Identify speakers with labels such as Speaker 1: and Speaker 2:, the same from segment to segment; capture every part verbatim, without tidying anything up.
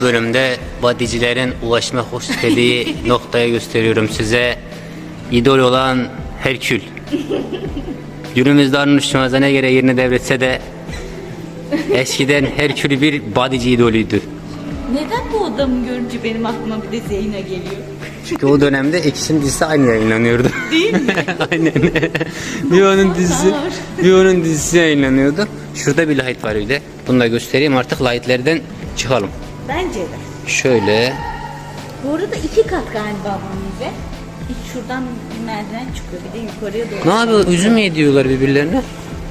Speaker 1: Bölümde badicilerin ulaşmak istediği noktaya gösteriyorum size. İdol olan Herkül. Günümüzde Arnold Schwarzenegger'e yerini devretse de eskiden Herkül bir badici idolüydü.
Speaker 2: Neden bu adamı görünce benim aklıma bir de Zeyna geliyor?
Speaker 1: Çünkü o dönemde ikisinin dizisi aynı yayınlanıyordu.
Speaker 2: Değil mi?
Speaker 1: Aynen. bir onun dizisi, bir onun dizisi yayınlanıyordu. Şurada bir light var bir de. Bunu da göstereyim, artık lightlerden çıkalım.
Speaker 2: Bence de.
Speaker 1: Şöyle.
Speaker 2: Bu arada iki kat galiba bunun bize. İlk şuradan bir merdiven çıkıyor, bir de yukarıya doğru.
Speaker 1: Ne yapıyor? Üzüm mü yediyorlar birbirlerine?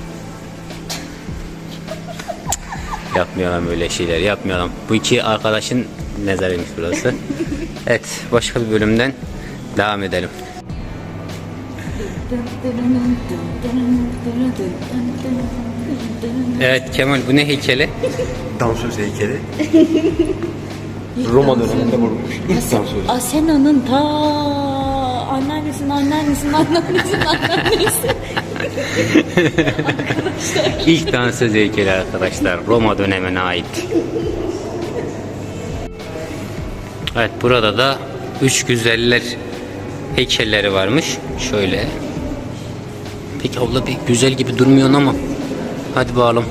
Speaker 1: Yapmayalım öyle şeyler, yapmayalım. Bu iki arkadaşın mezarıymış burası. Evet, başka bir bölümden devam edelim. Evet Kemal, bu ne heykeli?
Speaker 3: Dansöz heykeli. Roma döneminde vurulmuş. İlk dansöz.
Speaker 2: Asena'nın ta anneannesinin anneannesinin anneannesinin annesi.
Speaker 1: İlk dansöz heykeli arkadaşlar, Roma dönemine ait. Evet, burada da üç güzeller heykelleri varmış. Şöyle. Peki abla bir güzel gibi durmuyorsun ama. Hadi bakalım.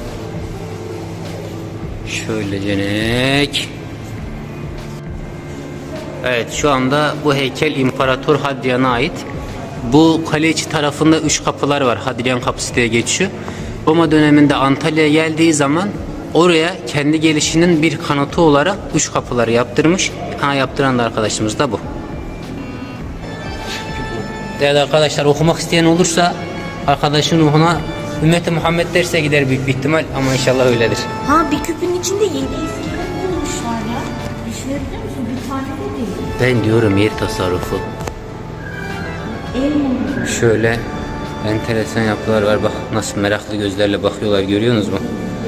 Speaker 1: Şöyle cenek. Evet, şu anda bu heykel İmparator Hadrian'a ait. Bu kale içi tarafında üç kapılar var. Hadrian kapısı diye geçiyor. Roma döneminde Antalya'ya geldiği zaman oraya kendi gelişinin bir kanıtı olarak üç kapıları yaptırmış. Ha, yaptıran da arkadaşımız da bu. Değerli arkadaşlar, okumak isteyen olursa arkadaşın ruhuna Ümmeti Muhammed derse gider büyük bir ihtimal, ama inşallah öyledir.
Speaker 2: Ha, bir küpün içinde yedi iskelet bulmuşlar ya. Düşünebiliyor musun? Bir tane de değil.
Speaker 1: Ben diyorum yer tasarrufu.
Speaker 2: El mi?
Speaker 1: Şöyle enteresan yapılar var, bak nasıl meraklı gözlerle bakıyorlar, görüyorsunuz mu?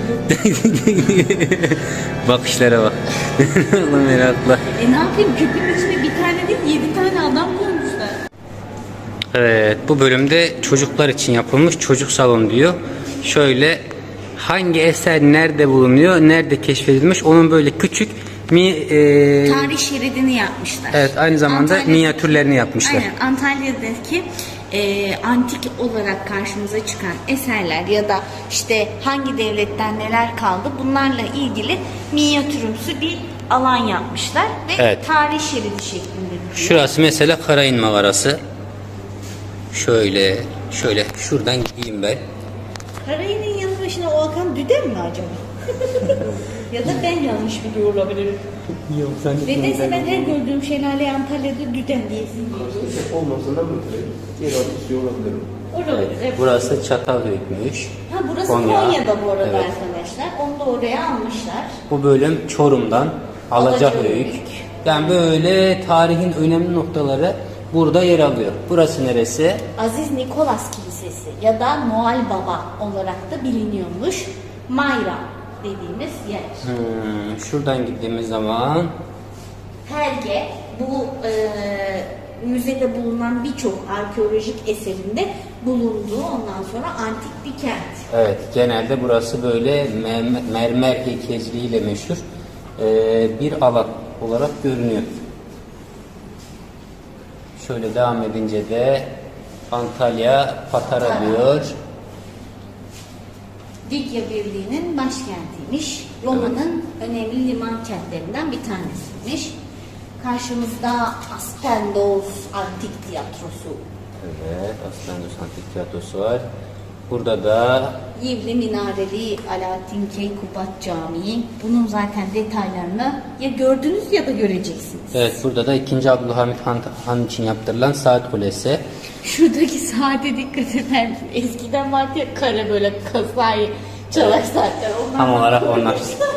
Speaker 1: Bakışlara bak. Meraklı.
Speaker 2: E ne yapayım, küpün içinde bir tane değil yedi tane adam koymuşlar.
Speaker 1: Evet, bu bölümde çocuklar için yapılmış çocuk salonu diyor. Şöyle hangi eser nerede bulunuyor, nerede keşfedilmiş, onun böyle küçük mi e,
Speaker 2: Tarih şeridini yapmışlar.
Speaker 1: evet, aynı zamanda
Speaker 2: Antalya'daki-
Speaker 1: minyatürlerini yapmışlar.
Speaker 2: Aynen, Antalya'daki e, antik olarak karşımıza çıkan eserler ya da işte hangi devletten neler kaldı, bunlarla ilgili minyatürümsü bir alan yapmışlar ve
Speaker 1: Evet.
Speaker 2: tarih şeridi şeklinde duruyor.
Speaker 1: Şurası mesela Karayın mağarası. Şöyle şöyle şuradan gideyim ben.
Speaker 2: Karayının yanı başına o akan düden mi acaba? Ya da ben yanlış biliyor olabilirim.
Speaker 3: Yok sen
Speaker 2: Nedense ben her gördüğüm şelale Antalya'da düden diyesin.
Speaker 3: olmasın da böyle. Yer altı olabilir.
Speaker 2: Olabilir. Evet.
Speaker 1: Burası Çatalhöyük'müş.
Speaker 2: Ha, burası
Speaker 1: Konya.
Speaker 2: Konya'da bu arada
Speaker 1: Evet.
Speaker 2: arkadaşlar. Onu da oraya almışlar.
Speaker 1: Bu bölüm Çorum'dan Alacahöyük.
Speaker 2: Alacahöyük.
Speaker 1: Yani böyle tarihin önemli noktaları burada yer alıyor. Burası neresi?
Speaker 2: Aziz Nikolas Kilisesi ya da Noel Baba olarak da biliniyormuş. Mayra dediğimiz yer.
Speaker 1: Hmm, şuradan gittiğimiz zaman
Speaker 2: Herge bu e, müzede bulunan birçok arkeolojik eserinde bulunduğu, ondan sonra antik bir kent.
Speaker 1: evet, genelde burası böyle mer- mermer heykelciliğiyle meşhur ee, bir alan olarak görünüyor. Şöyle devam edince de Antalya Patara diyor.
Speaker 2: Likya Birliği'nin başkentiymiş. Roma'nın önemli liman kentlerinden bir tanesiymiş. Karşımızda Aspendos Antik Tiyatrosu.
Speaker 1: Evet, Aslandos Antik Tiyatrosu var. Burada da
Speaker 2: Yivli Minareli Alaaddin Keykubat Camii. Bunun zaten detaylarını ya gördünüz ya da göreceksiniz.
Speaker 1: evet, burada da ikinci Abdülhamit Han, Han için yaptırılan saat kulesi.
Speaker 2: Şuradaki saate dikkat eder misin? Eskiden vardı ya kare böyle kasayı çalar saatler. Onlar
Speaker 1: Tam olarak onlar.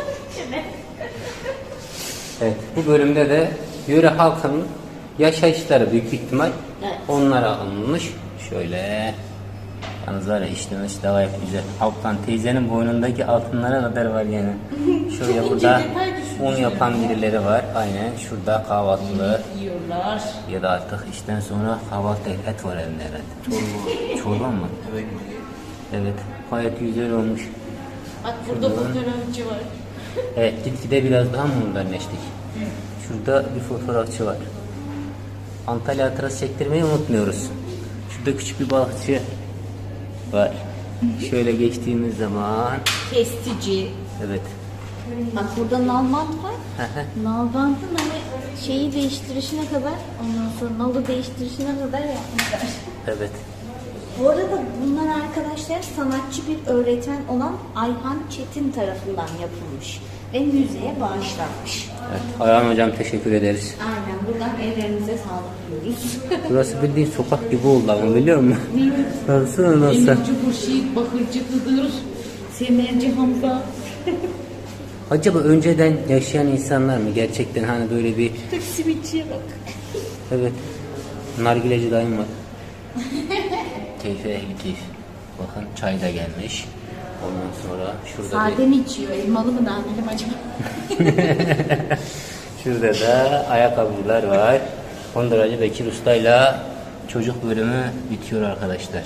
Speaker 1: Evet, bu bölümde de yöre halkının yaşayışları büyük bir ihtimal
Speaker 2: Evet.
Speaker 1: onlara alınmış. Şöyle yalnız var ya, işlemiş de gayet güzel. Alttan teyzenin boynundaki altınlara kadar var yani. Şuraya
Speaker 2: Çok
Speaker 1: burada
Speaker 2: ince detay düşmüş
Speaker 1: un yapan birileri var. Aynen şurada kahvaltılı
Speaker 2: yiyorlar.
Speaker 1: ya da artık işten sonra kahvaltı et var elinde herhalde. Çorba, çorba mı? Evet, gayet güzel olmuş.
Speaker 2: Bak burada fotoğrafçı var.
Speaker 1: Evet, gitgide biraz daha modernleştik. Şurada bir fotoğrafçı var. Antalya hatırası çektirmeyi unutmuyoruz. Şurada küçük bir balıkçı var. Şöyle geçtiğimiz zaman,
Speaker 2: Kestici.
Speaker 1: evet.
Speaker 2: Bak burada nalbant var. Nalbantın hani şeyi değiştirişine kadar, ondan sonra nalı değiştirişine kadar yapmışlar.
Speaker 1: Evet.
Speaker 2: Bu arada bunlar arkadaşlar sanatçı bir öğretmen olan Ayhan Çetin tarafından yapılmış ve müzeye bağışlanmış.
Speaker 1: Evet. Ayhan hocam teşekkür ederiz.
Speaker 2: Aynen, buradan ellerinize sağlık diyoruz.
Speaker 1: Burası bildiğin sokak gibi oldu ama biliyor musun? Baksana nasıl?
Speaker 2: Emirci Hurşit, Bakırcı Kıdır, Semerci Hamza.
Speaker 1: Acaba önceden yaşayan insanlar mı gerçekten hani böyle bir...
Speaker 2: Simitçiye bak.
Speaker 1: Evet. Nargileci dayım var. Keyfe ehli keyif. Bakın çay da gelmiş. Ondan sonra şurada
Speaker 2: Sade mi içiyor, elmalı mı nargile acaba?
Speaker 1: bir... Şurada da ayakkabıcılar var. Konduracı Bekir Usta'yla çocuk bölümü bitiyor arkadaşlar.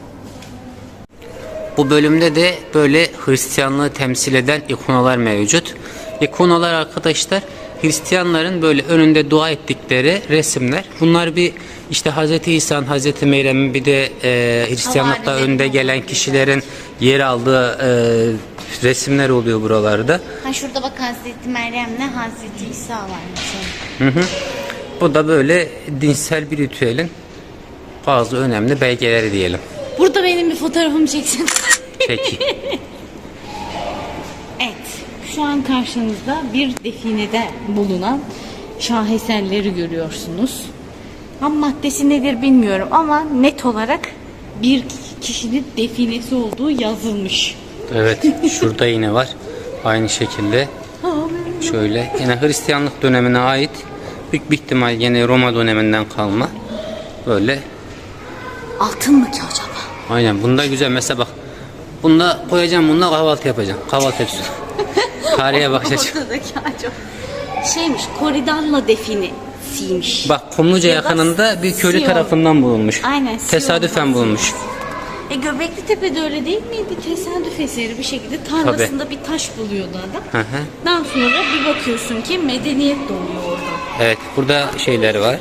Speaker 1: Bu bölümde de böyle Hristiyanlığı temsil eden ikonalar mevcut. İkonalar arkadaşlar Hristiyanların böyle önünde dua ettikleri resimler. Bunlar bir işte Hazreti İsa'nın, Hazreti Meryem'in bir de e, Hristiyanlıkta önde gelen kişilerin yer aldığı e, resimler oluyor buralarda.
Speaker 2: Ha şurada bak Hazreti Meryem'le Hazreti İsa var mesela.
Speaker 1: Hı hı. Bu da böyle dinsel bir ritüelin bazı önemli belgeleri diyelim.
Speaker 2: Burada benim bir fotoğrafımı çeksin.
Speaker 1: Peki.
Speaker 2: Evet, şu an karşınızda bir definede bulunan şaheserleri görüyorsunuz. Ham maddesi nedir bilmiyorum ama net olarak bir kişinin definesi olduğu yazılmış.
Speaker 1: Evet, şurada yine var. Aynı şekilde. Şöyle yine Hristiyanlık dönemine ait, büyük bir ihtimal yine Roma döneminden kalma. Böyle.
Speaker 2: Altın mı ki acaba?
Speaker 1: Aynen, bunda güzel. Mesela bak. Bunda koyacağım, bununla kahvaltı yapacağım. Kahvaltı yapacağım. Tarihe bakacağım.
Speaker 2: Ortadaki acaba. Şeymiş, Koridalla definisiymiş.
Speaker 1: Bak, Kumluca
Speaker 2: Ya da
Speaker 1: yakınında bir köylü
Speaker 2: Siyon.
Speaker 1: tarafından bulunmuş.
Speaker 2: Aynen, Siyon.
Speaker 1: Tesadüfen bulunmuş.
Speaker 2: E Göbekli Tepe'de öyle değil miydi? Tesadüf eseri bir şekilde tarlasında bir taş buluyordu adam.
Speaker 1: Hı hı.
Speaker 2: Daha sonra bir bakıyorsun ki medeniyet doğuyor orada.
Speaker 1: Evet, burada şeyler var.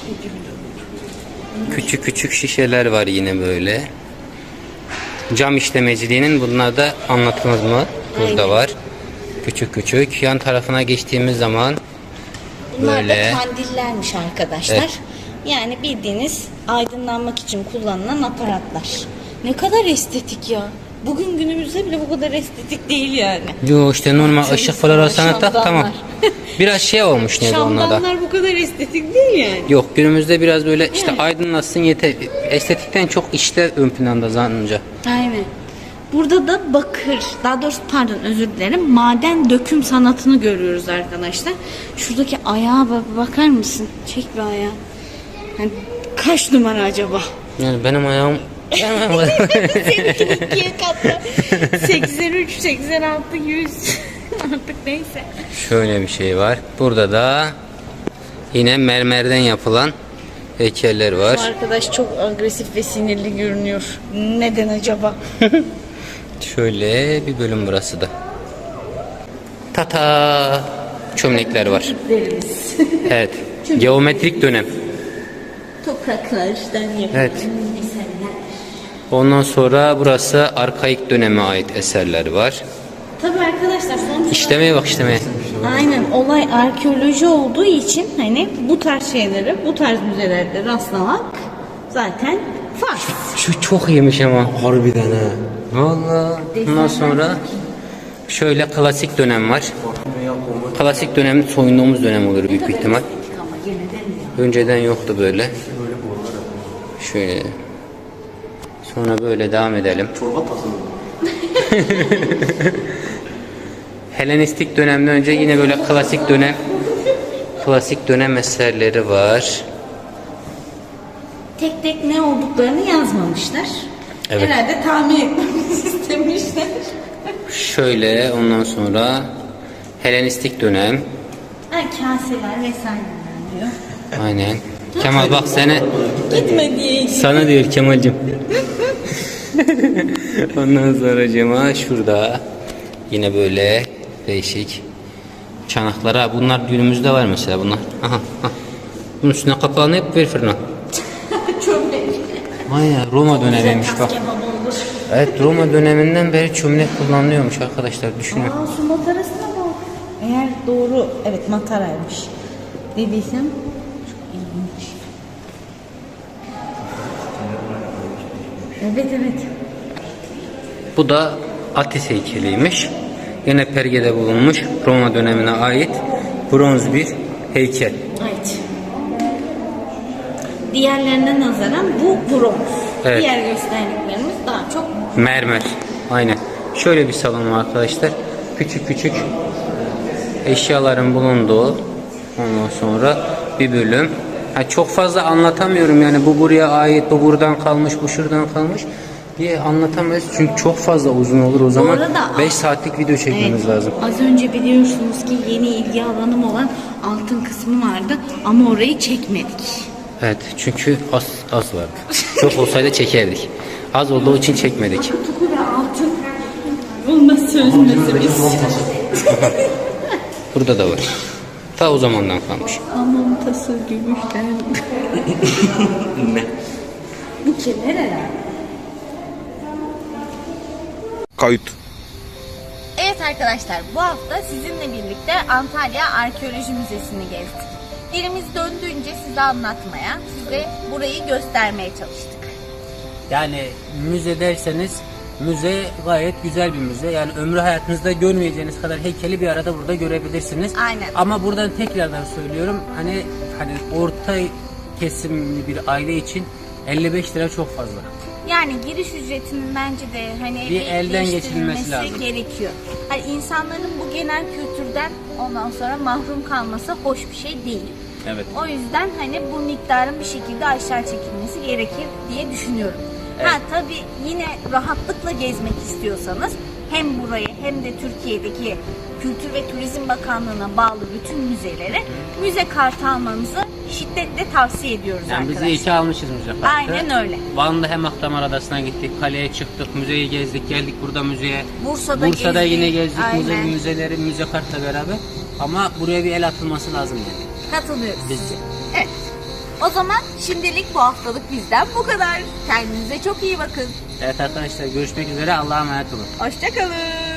Speaker 1: Küçük küçük şişeler var yine böyle. Cam işlemeciliğinin bunlar da anlatılmaz mı? Burada
Speaker 2: Aynen.
Speaker 1: var. Küçük küçük. Yan tarafına geçtiğimiz zaman
Speaker 2: Bunlar
Speaker 1: böyle.
Speaker 2: da kandillermiş arkadaşlar.
Speaker 1: Evet.
Speaker 2: Yani bildiğiniz aydınlanmak için kullanılan aparatlar. Ne kadar estetik ya. Bugün günümüzde bile bu kadar estetik değil yani.
Speaker 1: Yo işte normal
Speaker 2: Çok
Speaker 1: ışık falan olsa
Speaker 2: şamdanlar.
Speaker 1: tamam. Biraz şey olmuş neydi onlarda.
Speaker 2: Şamdanlar bu kadar estetik değil yani.
Speaker 1: Yok, günümüzde biraz böyle işte
Speaker 2: Evet.
Speaker 1: aydınlatsın yeter. Estetikten çok işte ön planda zannınca.
Speaker 2: Aynen. Burada da bakır, daha doğrusu pardon özür dilerim, maden döküm sanatını görüyoruz arkadaşlar. Şuradaki ayağa bak, bakar mısın? Çek bir ayağı. Yani kaç numara acaba?
Speaker 1: Yani benim ayağım
Speaker 2: Seninki ikiye katla. seksen üç, seksen altı, yüz. Artık neyse.
Speaker 1: şöyle bir şey var. Burada da yine mermerden yapılan heykeller var.
Speaker 2: Bu arkadaş çok agresif ve sinirli görünüyor. Neden acaba?
Speaker 1: Şöyle bir bölüm burası da. Tata çömlekler var.
Speaker 2: Derimiz.
Speaker 1: Evet. Geometrik dönem.
Speaker 2: Topraklardan yapılan
Speaker 1: Evet.
Speaker 2: eserler.
Speaker 1: Ondan sonra burası arkaik döneme ait eserler var.
Speaker 2: Tabii arkadaşlar sonuçta
Speaker 1: İşlemeye bak, işlemeye.
Speaker 2: aynen olay arkeoloji olduğu için hani bu tarz şeyleri bu tarz müzelerde rastlamak zaten farz.
Speaker 1: Şu çok iyiymiş ama.
Speaker 3: Harbiden ha.
Speaker 1: Vallahi. Ondan sonra şöyle klasik dönem var. Klasik dönem soyunduğumuz dönem olur büyük bir ihtimal.
Speaker 2: Ama gene de mi?
Speaker 1: Önceden yoktu böyle. Şöyle. Sonra böyle devam edelim.
Speaker 3: Çorba tası mı?
Speaker 1: Helenistik dönemden önce yine böyle klasik dönem klasik dönem eserleri var.
Speaker 2: Tek tek ne olduklarını yazmamışlar.
Speaker 1: Evet.
Speaker 2: Herhalde tahmin etmemizi istemişler.
Speaker 1: Şöyle ondan sonra Helenistik dönem.
Speaker 2: Ha, kaseler vesaireler diyor.
Speaker 1: Aynen. Kemal bak seni
Speaker 2: Gitme diye.
Speaker 1: sana diyor Kemal'cim. Ondan sonra cema şurada yine böyle değişik Çanaklara bunlar günümüzde var mesela bunlar. Aha, aha. Bunun üstüne kapağını hep ver fırına.
Speaker 2: Çömlek.
Speaker 1: Vay ya, Roma dönemiymiş bak.
Speaker 2: Kebap olur.
Speaker 1: Evet, Roma döneminden beri çömlek kullanılıyormuş arkadaşlar, düşünün.
Speaker 2: Aa, su matarasına bak. Eğer doğru, evet mataraymış dediysem çok ilginç. Evet evet.
Speaker 1: Bu da Atis heykeliymiş. Yine Perge'de bulunmuş, Roma dönemine ait bronz bir heykel.
Speaker 2: Evet. Diğerlerine nazaran bu bronz.
Speaker 1: Evet.
Speaker 2: Diğer gösterdiklerimiz daha çok
Speaker 1: Mermer. Aynen. Şöyle bir salon var arkadaşlar. Küçük küçük eşyaların bulunduğu, ondan sonra bir bölüm. Ha, çok fazla anlatamıyorum yani, bu buraya ait, bu buradan kalmış, bu şuradan kalmış diye anlatamayız. Çünkü çok fazla uzun olur o zaman.
Speaker 2: arada-
Speaker 1: beş saatlik video çekmemiz
Speaker 2: Evet,
Speaker 1: lazım.
Speaker 2: az önce biliyorsunuz ki yeni ilgi alanım olan altın kısmı vardı ama orayı çekmedik.
Speaker 1: Evet, çünkü az az vardı. Çok olsaydı çekerdik. Az olduğu için çekmedik.
Speaker 2: Tuku ve altın olmaz sözümüzümüz.
Speaker 1: Burada da var. Ta o zamandan kalmış.
Speaker 2: Hamam tası gümüşten.
Speaker 3: Ne?
Speaker 2: Bu kemer herhalde.
Speaker 3: Kayıt.
Speaker 2: Evet arkadaşlar, bu hafta sizinle birlikte Antalya Arkeoloji Müzesi'ni gezdik. Dilimiz döndüğünce size anlatmaya, size burayı göstermeye çalıştık.
Speaker 1: Yani müze derseniz, müze gayet güzel bir müze. Yani ömrü hayatınızda görmeyeceğiniz kadar heykeli bir arada burada görebilirsiniz.
Speaker 2: Aynen.
Speaker 1: Ama buradan tekrardan söylüyorum, hani hani orta kesimli bir aile için elli beş lira çok fazla.
Speaker 2: Yani giriş ücretinin bence de hani
Speaker 1: Bir elden geçirilmesi
Speaker 2: değiştirilmesi
Speaker 1: lazım.
Speaker 2: gerekiyor. Hani insanların bu genel kültürden ondan sonra mahrum kalması hoş bir şey değil.
Speaker 1: Evet.
Speaker 2: O yüzden hani bu miktarın bir şekilde aşağı çekilmesi gerekir diye düşünüyorum. Ha tabii yine rahatlıkla gezmek istiyorsanız hem burayı hem de Türkiye'deki Kültür ve Turizm Bakanlığı'na bağlı bütün müzelere müze kartı almanızı şiddetle tavsiye ediyoruz
Speaker 1: Yani biz
Speaker 2: arkadaşlar.
Speaker 1: iyi ki almışız müze kartı.
Speaker 2: Aynen öyle.
Speaker 1: Van'da hem Akdamar Adası'na gittik, kaleye çıktık, müzeyi gezdik, geldik burada müzeye.
Speaker 2: Bursa'da
Speaker 1: Bursa'da
Speaker 2: gezdik,
Speaker 1: yine gezdik müze,
Speaker 2: aynen.
Speaker 1: müzeleri, müze kartla beraber. Ama buraya bir el atılması lazım yani.
Speaker 2: Katılıyoruz.
Speaker 1: Bizce.
Speaker 2: Evet. O zaman şimdilik bu haftalık bizden bu kadar. Kendinize çok iyi bakın.
Speaker 1: Evet arkadaşlar, görüşmek üzere, Allah'a emanet olun.
Speaker 2: Hoşçakalın.